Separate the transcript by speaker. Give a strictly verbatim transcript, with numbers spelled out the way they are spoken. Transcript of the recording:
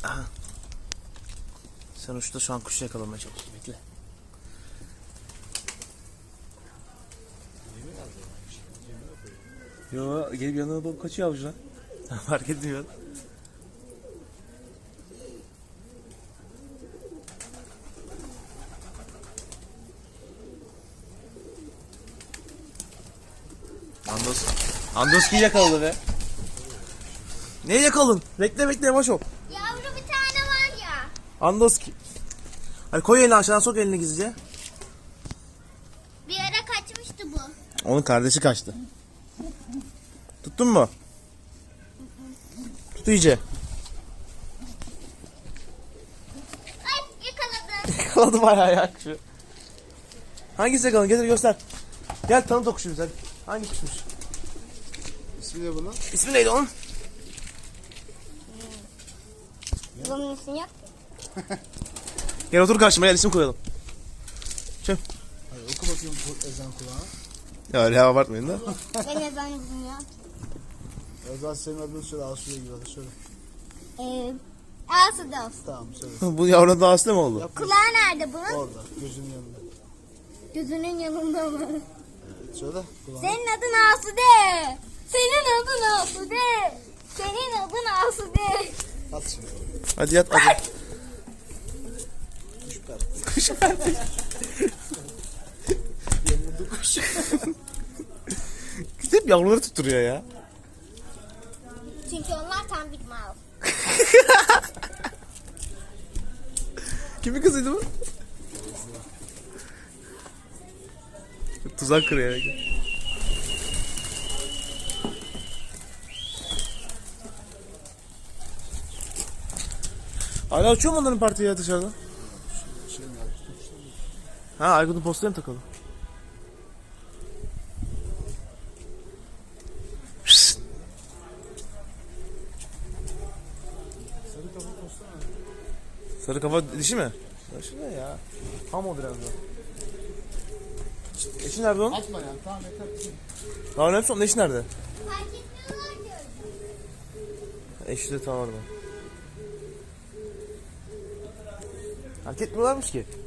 Speaker 1: Aha. Sen uçta şu an kuşu yakalamaya çalışıyorsun. Bekle. Yo, gelip yanına doğru kaçıyor avucuna. Fark etmiyor. Andos. Andoski yakaladı be. Neyi yakaladın? Bekle bekle yavaş ol.
Speaker 2: Yavru bir tane var ya.
Speaker 1: Andoski. Hadi koy elini aşağıdan, sok elini gizlice.
Speaker 2: Bir ara kaçmıştı bu.
Speaker 1: Onun kardeşi kaçtı. Tuttun mu? Tut iyice.
Speaker 2: Ay yakaladım.
Speaker 1: Yakaladı bayağı ya kuşu. Hangisi yakaladın? Getir göster. Gel tanıt o kuşu bize. Hangi kuşmuş?
Speaker 3: İsmi ne bunun?
Speaker 1: İsmi neydi onun?
Speaker 2: Bunun ismi yok.
Speaker 1: Gel otur karşıma, gel isim koyalım. Çöp.
Speaker 3: Hadi oku bakayım ezan kulağına.
Speaker 1: Ya öyle abartmayın da.
Speaker 2: Ben ezan bilmiyorum.
Speaker 3: Ezan senin adını söyle, Asuye gibi hadi söyle.
Speaker 2: Ee, Ağası da olsun.
Speaker 3: Tamam söyle.
Speaker 1: Bu yavrunun da hasta mı oldu?
Speaker 3: Yap.
Speaker 2: Kulağı nerede bunun?
Speaker 3: Orada gözünün yanında.
Speaker 2: Gözünün yanında mı?
Speaker 3: Evet, söyle kulağına.
Speaker 2: Senin adın Asude. Senin adın Asude. Senin adın Asude.
Speaker 3: At şimdi.
Speaker 1: Hadi yat hadi.
Speaker 3: Kuş per.
Speaker 1: Kuş verdi.
Speaker 3: Yanında kuş.
Speaker 1: Hep yavruları tutturuyor ya.
Speaker 2: Çünkü onlar tam bir mal.
Speaker 1: Kimin kızıydı bu? Tuzak kırıyor. Hala uçuyor mu onların partiyi ya dışarıda?
Speaker 3: Şey mi
Speaker 1: Ha, Aykut'un posteri mi takalı? Pişt.
Speaker 3: Sarı kafa postana.
Speaker 1: Sarı kafa dişi mi? Dişi ne ya? Tam o biraz da. Eşi nerede onun?
Speaker 3: Atma yani, tamam yeter.
Speaker 1: Daha önemlisi onun eşi nerede?
Speaker 2: Fark etmiyorlar ki.
Speaker 1: Eşi de tam orada. Fark etmiyorlarmış ki.